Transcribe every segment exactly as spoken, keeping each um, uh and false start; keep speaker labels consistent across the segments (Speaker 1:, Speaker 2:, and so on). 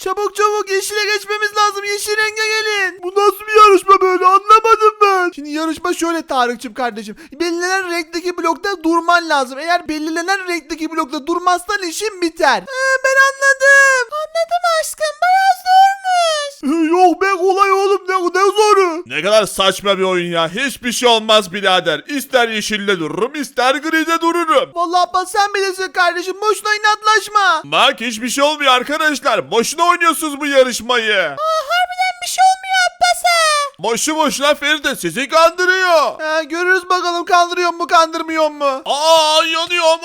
Speaker 1: Çabuk çabuk yeşile geçmemiz lazım. Yeşil renge gelin. Bu nasıl bir yarışma böyle, anlamadım ben. Şimdi yarışma şöyle Tarık'cığım kardeşim. Belirlenen renkteki blokta durman lazım. Eğer belirlenen renkteki blokta durmazsan işin biter. Ee, ben anladım. Anladım aşkım, bayağı zormuş. Yok be, kolay oğlum, ne, ne zoru.
Speaker 2: Ne kadar saçma bir oyun ya. Hiçbir şey olmaz birader. İster yeşilde dururum, ister gride dururum.
Speaker 1: Vallahi Abbas sen bilirsin kardeşim. Boşuna inatlaşma.
Speaker 2: Bak hiçbir şey olmuyor arkadaşlar. Boşuna oynuyorsunuz bu yarışmayı.
Speaker 1: Aa, harbiden bir şey olmuyor Abbas'a.
Speaker 2: Boşu boşuna Feride sizi kandırıyor.
Speaker 1: Ha, görürüz bakalım kandırıyor mu kandırmıyor mu?
Speaker 2: Aa yanıyorum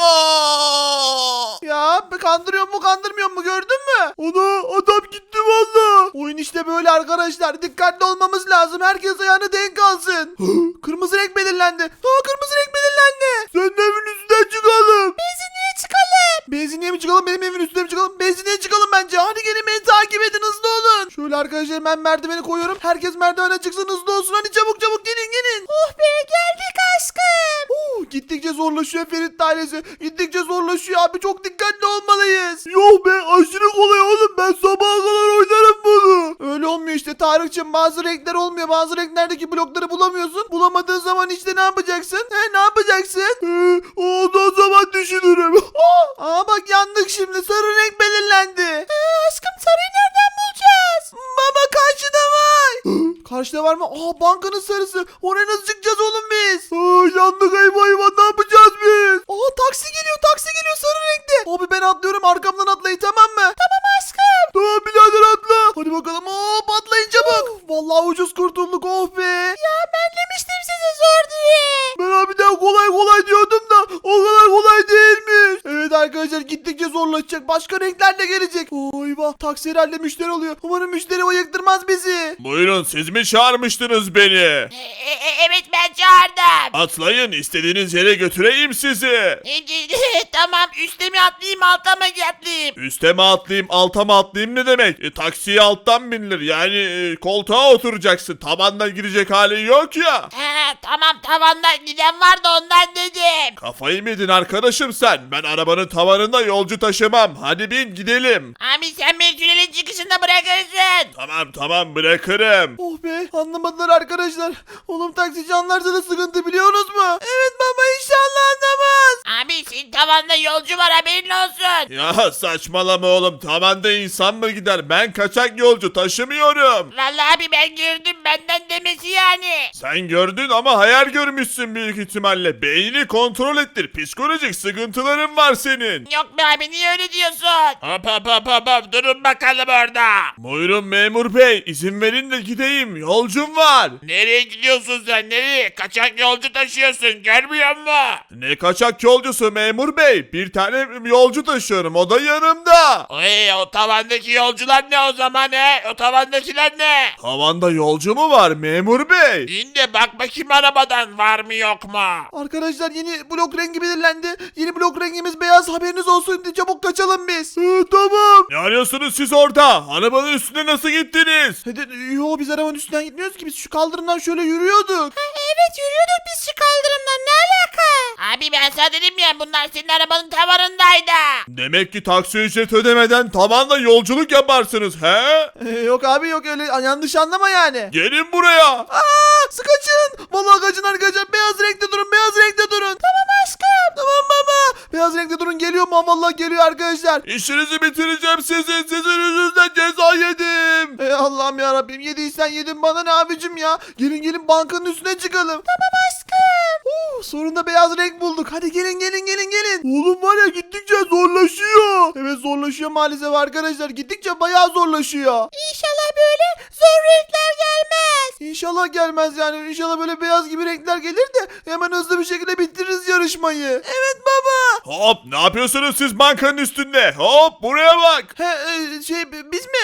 Speaker 2: aa.
Speaker 1: Ya kandırıyor mu kandırmıyor mu, gördün mü? Ana, adam gitti valla. Oyun işte böyle arkadaşlar. Dikkatli olmamız lazım. Herkes ayağını denk alsın. Kırmızı renk belirlendi. Ha, kırmızı renk belirlendi. Sen evin üstüne çıkalım. Benzinliğe çıkalım. Benzinliğe mi çıkalım, benim evin üstüne mi çıkalım? Benzinliğe çıkalım bence. Hadi gelin beni takip edin, hızlı olun. Şöyle arkadaşlar ben merdiveni koyuyorum. Herkes merdivene çıksın, hızlı olsun. Hadi çabuk çabuk gelin gelin. Oh be, geldik aşkım. Uh, gittikçe zorlaşıyor Ferit ailesi. Gittikçe zorlaşıyor abi, çok dikkatli olmalıyız. Yok be, aşırı kolay oğlum, ben sabaha kadar oynarım bunu. Öyle olmuyor işte Tarık'cığım, bazı renkler olmuyor. Bazı renklerdeki blokları bulamıyorsun. Bulamadığın zaman işte ne yapacaksın? He, ne yapacaksın? Ee, o zaman düşünürüm. Aa bak, yandık şimdi, sarı renk belirlendi. Ee, aşkım sarıyı nereden bulacağız? Baba karşıda var. Karşıda var mı? Aa, bankanın sarısı. Oraya nasıl çıkacağız oğlum biz? Aa, yandık, eyvah eyvah, ne yapacağız biz? Aa, taksi geliyor, taksi geliyor sarı renkte. Abi ben atlıyorum, arkamdan atlayın, tamam mı? Tamam aşkım. Tamam birader, atla. Hadi bakalım, hop atlayın çabuk. Vallahi ucuz kurtulduk, oh be. Ya ben demiştim size zor diye. Ben abiden kolay kolay diyordum da o kadar kolay değilmiş. Evet arkadaşlar, gittikçe zorlaşacak. Başka renkler de gelecek. Oo, eyvah, taksi herhalde müşteri oluyor. Umarım müşteri ayıktırmaz bizi.
Speaker 2: Buyurun siz mi çağırmıştınız beni?
Speaker 3: E- e- evet ben çağırdım.
Speaker 2: Atlayın istediğiniz yere götüreyim sizi.
Speaker 3: E, e, tamam, üste mi atlayayım alta mı atlayayım?
Speaker 2: Üste mi atlayayım alta mı atlayayım ne demek? E, taksiye alttan binilir yani e, koltuğa oturacaksın. Tabandan girecek hali yok ya.
Speaker 3: He, tamam, tavandan giden var da ondan dedim.
Speaker 2: Kafayı mı yedin arkadaşım sen? Ben arabanın tavanında yolcu taşımam. Hadi bin gidelim.
Speaker 3: Abi sen beni tünelin çıkışında bırakırsın.
Speaker 2: Tamam tamam bırakırım.
Speaker 1: Oh be, anlamadılar arkadaşlar. Oğlum taksici anlarsa da sıkıntı, biliyorsunuz mu? Evet baba, inşallah anlamaz.
Speaker 3: Abi senin tavanda yolcu var, haberin olsun.
Speaker 2: Ya saçmalama oğlum. Tavanda insan mı gider? Ben kaçak yolcu taşımıyorum.
Speaker 3: Vallahi abi ben gördüm, benden demesi yani.
Speaker 2: Sen gördün ama hayal görmüşsün büyük ihtimalle. Beynini kontrol ettir. Psikolojik sıkıntıların var senin.
Speaker 3: Yok be abi, niye öyle diyorsun?
Speaker 2: Hop hop hop hop hop durun bakalım orada. Buyurun memur bey izin verin de gideyim yolcum var.
Speaker 3: Nereye gidiyorsun sen, nereye? Kaçak yolcu taşıyorsun, görmüyor musun?
Speaker 2: Ne kaçak yolcusu memur bey, bir tane yolcu taşıyorum o da yanımda.
Speaker 3: Oy, o tavandaki yolcular ne o zaman he? O tavandakiler ne?
Speaker 2: Havanda yolcu mu var memur bey?
Speaker 3: İn de bak bakayım arabadan, var mı yok mu?
Speaker 1: Arkadaşlar yeni blok rengi belirlendi. Yeni blok rengimiz beyaz, haberiniz olsun. Çabuk kaçalım biz. Ee, tamam.
Speaker 2: Ne arıyorsunuz siz orada? Arabanın üstüne nasıl gittiniz?
Speaker 1: Hadi, yo biz arabanın üstünden gitmiyoruz ki, biz şu kaldırımdan şöyle yürüyorduk.
Speaker 3: Evet, yürüyorduk biz şu kaldırımdan, ne alaka? Abi ben sana dedim ya, bunlar senin arabanın tavanındaydı.
Speaker 2: Demek ki taksi ücret ödemeden tavanla yolculuk yaparsınız he?
Speaker 1: Ee, yok abi yok, öyle yanlış anlama yani.
Speaker 2: Gelin buraya.
Speaker 1: Aa, sık kaçın. Vallahi kaçın arkadaşlar, beyaz renkte durun, beyaz renkte durun. Tamam aşkım. Tamam baba. Beyaz renkte durun, geliyor mu? Vallahi geliyor arkadaşlar.
Speaker 2: İşinizi bitireceğim sizin. Sizin yüzünüzden ceza yedim.
Speaker 1: Ey Allah'ım ya Rabbim, yediysen yedin, bana ne abicim ya. Gelin gelin, bankanın üstüne çıkalım. Tamam aşkım. Uh, sonunda beyaz renk bulduk. Hadi gelin gelin gelin gelin. Oğlum var ya, gittikçe zorlaşıyor. Evet zorlaşıyor maalesef arkadaşlar. Gittikçe bayağı zorlaşıyor. İnşallah böyle zor renkler gelmez. İnşallah gelmez yani. İnşallah böyle beyaz gibi renkler gelir de hemen hızlı bir şekilde bitiririz yarışmayı. Evet baba.
Speaker 2: Hop ne yapıyorsunuz siz bankanın üstünde? Hop buraya bak.
Speaker 1: He, e, şey biz mi? E,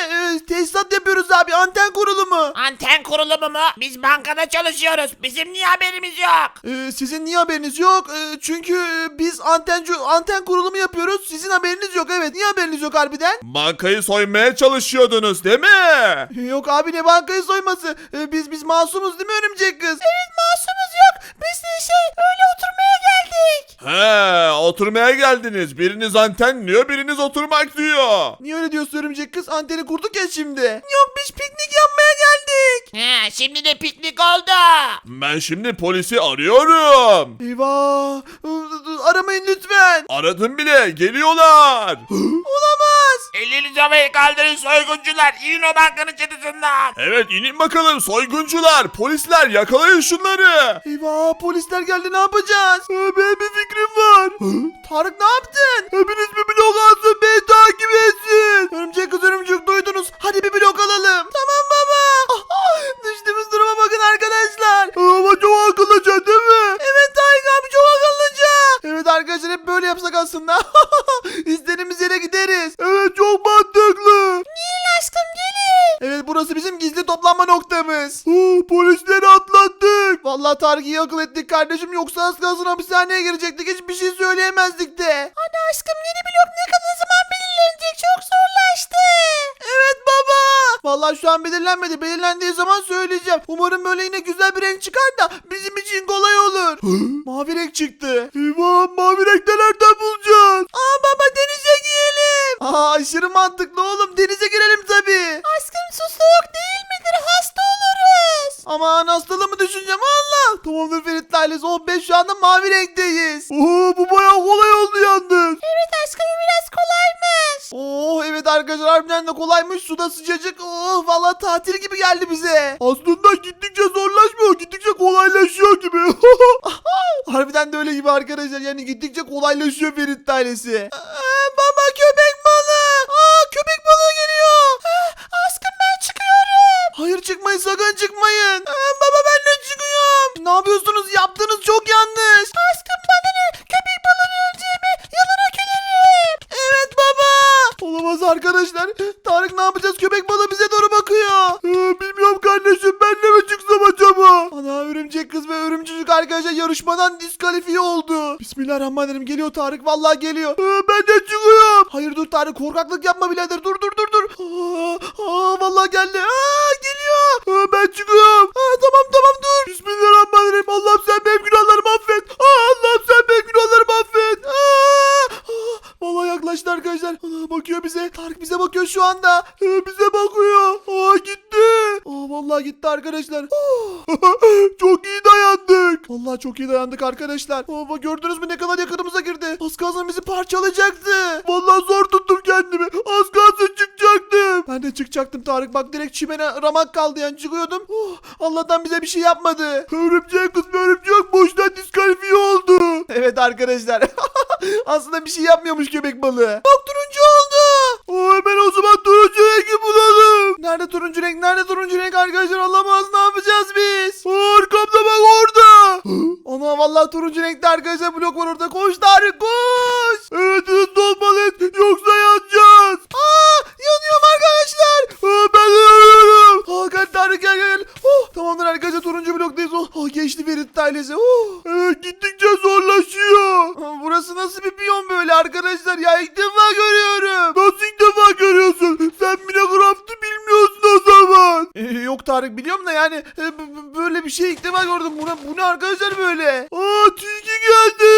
Speaker 1: tesisat yapıyoruz abi. Anten kurulumu.
Speaker 3: Anten kurulumu mu? Biz bankada çalışıyoruz. Bizim niye haberimiz yok?
Speaker 1: Ee, sizin niye haberiniz yok? Ee, çünkü e, biz anten anten kurulumu yapıyoruz. Sizin haberiniz yok. Evet. Niye haberiniz yok harbiden?
Speaker 2: Bankayı soymaya çalışıyordunuz değil mi?
Speaker 1: Ee, Yok abi, ne bankayı soyması? Ee, biz biz masumuz değil mi örümcek kız? Evet, masumuz yok. Biz de şey öyle oturmaya geldik.
Speaker 2: He, oturmaya geldiniz. Biriniz anten diyor, biriniz oturmak diyor.
Speaker 1: Niye öyle diyorsun örümcek kız? Anteni kurduk ya şimdi. Yok, biz piknik yapmaya geldik.
Speaker 3: He, şimdi de piknik oldu.
Speaker 2: Ben şimdi polisi arıyorum.
Speaker 1: Eyvah. Aramayın lütfen.
Speaker 2: Aradım bile, geliyorlar.
Speaker 1: Olamaz.
Speaker 3: Elinizi havaya kaldırın soyguncular. İnin o bankanın çatısından.
Speaker 2: Evet, inin bakalım soyguncular, polisler, yakalayın şunları.
Speaker 1: Eyvah, polisler geldi, ne yapacağız? Ee, benim bir fikrim var. Tarık, ne yaptın? Hepiniz bir blok alsın, beni takip etsin. Örümcek kız, örümcek duydunuz. Hadi bir blok alalım. Tamam baba. Düştüğümüz duruma bakın arkadaşlar. Ama çok akıllıca değil mi? Evet Tarık abi, çok akıllıca. Evet arkadaşlar, hep böyle yapsak aslında. İstediğimiz yere gideriz. Evet, çok mantıklı. Gelin aşkım, gelin. Evet, burası bizim gizli toplanma noktamız. Polisleri atlattık. Vallahi Tarık, iyi akıl ettik kardeşim. Yoksa az kalsın hapishaneye girecektik. Hiçbir şey söyleyemezdik de. Hadi aşkım, yeni blok ne kadar zaman belirlenecek? Çok zorlaştı. Evet baba. Vallahi şu an belirlenmedi. Belirlendiği zaman söyleyeceğim. Umarım böyle yine güzel bir renk çıkar da bizim için kolay olur. Mavi renk çıktı. Eyvah, mavi renkten nereden bulacağız? Aa baba, denize girelim. Aa, aşırı mantıklı oğlum. Denize girelim tabii. Aşkım, su soğuk değil midir? Hasta oluruz. Aman, hastalığımı düşüneceğim Allah. Tamamdır Ferit ailesi. Oh be, şu anda mavi renkteyiz. Oo, bu bayağı kolay oldu yalnız. Evet aşkım, biraz kolaymış. Oh evet arkadaşlar, harbiden de kolaymış. Suda sıcacık. Oh, vallahi tatil gibi geldi bize. Aslında gittikçe zorlaşmıyor. Gittikçe kolaylaşıyor gibi. Harbiden de öyle gibi arkadaşlar. Yani gittikçe kolaylaşıyor Ferit ailesi. Aa, baba, köpek balığı. Aa, köpek balığı geliyor. Aa, aşkım, ben çıkıyorum. Hayır, çıkmayın, sakın çıkmayın. Aa, baba, ben de çıkıyorum. Ne yapıyorsunuz? Yaptığınız çok yanlış. Aşkım, bana ne? Köpek balığını öleceğime yalana gülerim. Evet baba. Olamaz arkadaşlar. Tarık, ne yapacağız? Köpek balığı bize doğru bakıyor. Ee, bilmiyorum kardeşim. Ben de mi çıksam acaba? Ana, örümcek kız ve örümcücük arkadaşlar yarışmadan diskalifiye oldu. Bismillahirrahmanirrahim. Geliyor Tarık. Vallahi geliyor. Ee, ben de çıkıyorum. Hayır dur Tarık. Korkaklık yapma birader. Dur dur dur dur. Aa, aa, vallahi geldi. Aa, geliyor. Aa, ben çıkıyorum. Aa, tamam tamam dur. Bismillahirrahmanirrahim. Allah'ım sen benim günahlarımı affet. Aa, Allah'ım sen benim günahlarımı affet. Aa, aa, vallahi yaklaştı arkadaşlar. Ana, bakıyor bize. Tarık bize bakıyor şu anda. Ee, bize bakıyor. Aa, gitti. Aa, vallahi gitti arkadaşlar. Oh. Çok iyi dayandık. Vallahi çok iyi dayandık arkadaşlar. Aa, gördünüz mü ne kadar yakınımıza girdi. Az kalsın bizi parçalayacaktı. Vallahi zor tuttum kendimi. Az kalsın çıkacaktım. Ben de çıkacaktım Tarık. Bak, direkt çimene ramak kaldı yani, çıkıyordum. Oh, Allah'tan bize bir şey yapmadı. Örümcek kız ve örümcek boştan diskalifiye oldu. Evet arkadaşlar. Aslında bir şey yapmıyormuş köpek balığı. Bak, turuncu oldu. Oo, hemen o zaman turuncu rengi bulalım. Nerede turuncu renk? Nerede turuncu renk arkadaşlar? Olamaz, ne yapacağız biz? Aa, arkamda bak, orada. Ana, vallahi turuncu renkte arkadaşlar blok var orada. Koş Tarık, koş. Evet, hızlı olmalıyız. Yoksa yanacağız. Aa, yanıyorum arkadaşlar. Aa, ben de yanıyorum. Aa, gel Tarık, gel gel. Oh, tamamdır arkadaşlar, turuncu bloktayız. Oh, oh geçti Ferit ailesi. Oh. Evet, gittikçe zorlaşıyor. Aa, burası nasıl bir piyon böyle arkadaşlar ya? İlk defa görüyorum. Nasıl ilk defa görüyorsun? Sen Minecraft'ı bilmiyorsun o zaman. Ee, yok Tarık, biliyorum da yani e, b- b- böyle bir şey ilk defa gördüm. Bu ne, bu ne arkadaşlar böyle? Aa, tilki geldi.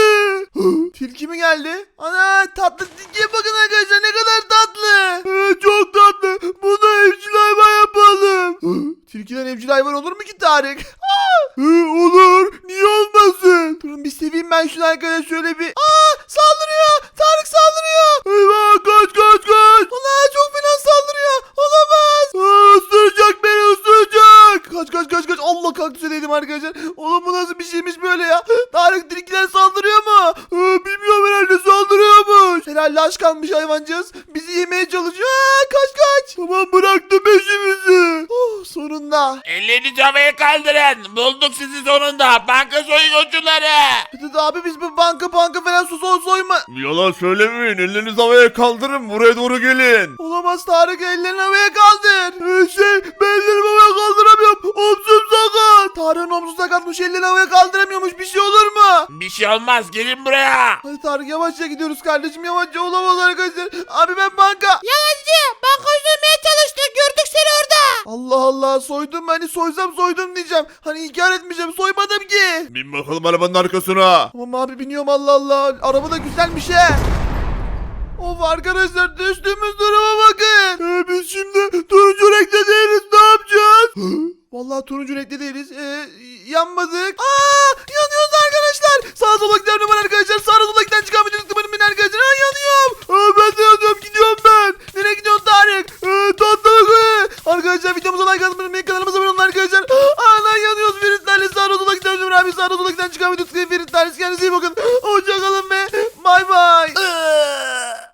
Speaker 1: Tilki mi geldi? Ana, tatlı tilkiye bakın arkadaşlar, ne kadar tatlı. Ee, çok tatlı. Bunu evcil hayvan yapalım. Tilkiden evcil hayvan olur mu ki Tarık? Ee, olur. Niye olmasın? Durun bir seveyim ben şunu arkadaşlar, şöyle bir. Aa, saldırıyor. Tarık saldırıyor. Eyvah, kaç kaç kaç. Allah, çok fena saldırıyor. Olamaz. Aa, ısıracak beni, ısıracak. Kaç kaç kaç kaç. Allah, kaktüse değdim arkadaşlar. Oğlum, bu nasıl bir şeymiş böyle ya? Tarık, tilkiler saldırıyor mu? Ee, bilmiyorum, herhalde saldırıyormuş. Herhalde aç kalmış hayvancağız. Bizi yemeye çalışıyor. Aa, kaç kaç. Tamam, bıraktım peşimizi. Oh, sonunda.
Speaker 3: Ellerinizi havaya kaldırın. Bulduk sizi sonunda. Banka soyguncuları.
Speaker 1: Dedi abi biz bu banka banka falan su soy soyma.
Speaker 2: Yalan söylemeyin. Ellerinizi havaya kaldırın. Buraya doğru gelin.
Speaker 1: Olamaz Tarık, ellerini havaya kaldır. Ee, şey ben ellerimi havaya kaldıramıyorum. Omzum sakat. Tarık'ın omzu sakatmış, ellerini havaya kaldıramıyormuş, bir şey olur mu?
Speaker 3: Bir şey olmaz. Gelin buraya.
Speaker 1: Hadi Tarık yavaşça gidiyoruz kardeşim, yavaşça, olamaz arkadaşlar. Abi ben banka.
Speaker 3: Yalancı. Banka soymaya çalıştık. Gördük seni orada.
Speaker 1: Allah Allah, soydum, hani soysam soydum diyeceğim. Hani inkar etmeyeceğim, soymadım ki.
Speaker 2: Bin bakalım arabanın arkasına.
Speaker 1: Tamam abi biniyorum, Allah Allah. Araba da güzelmiş he. Of arkadaşlar, düştüğümüz duruma bakın. Ee, biz şimdi turuncu renkte değiliz, ne yapacağız? Vallahi turuncu renkte değiliz. Ee, yanmadık. Aa, yanıyoruz arkadaşlar. Sağa sola gidelim ben arkadaşlar. Sağa sola giden çıkan bir tıklamanın ben arkadaşlar. Aa, yanıyorum. Aa, ben de yanıyorum, gidiyorum ben. Nereye gidiyorsun Tarık? Ee, tatlı. Arkadaşlar videomuza like atmayı unutmayın. Kanalımıza abone olun arkadaşlar. Aa, lan yanıyoruz. Ferit Talih sağa sola gidelim abi. Sağa sola giden çıkan bir tıklamayın. Ferit Talih, kendinize iyi bakın.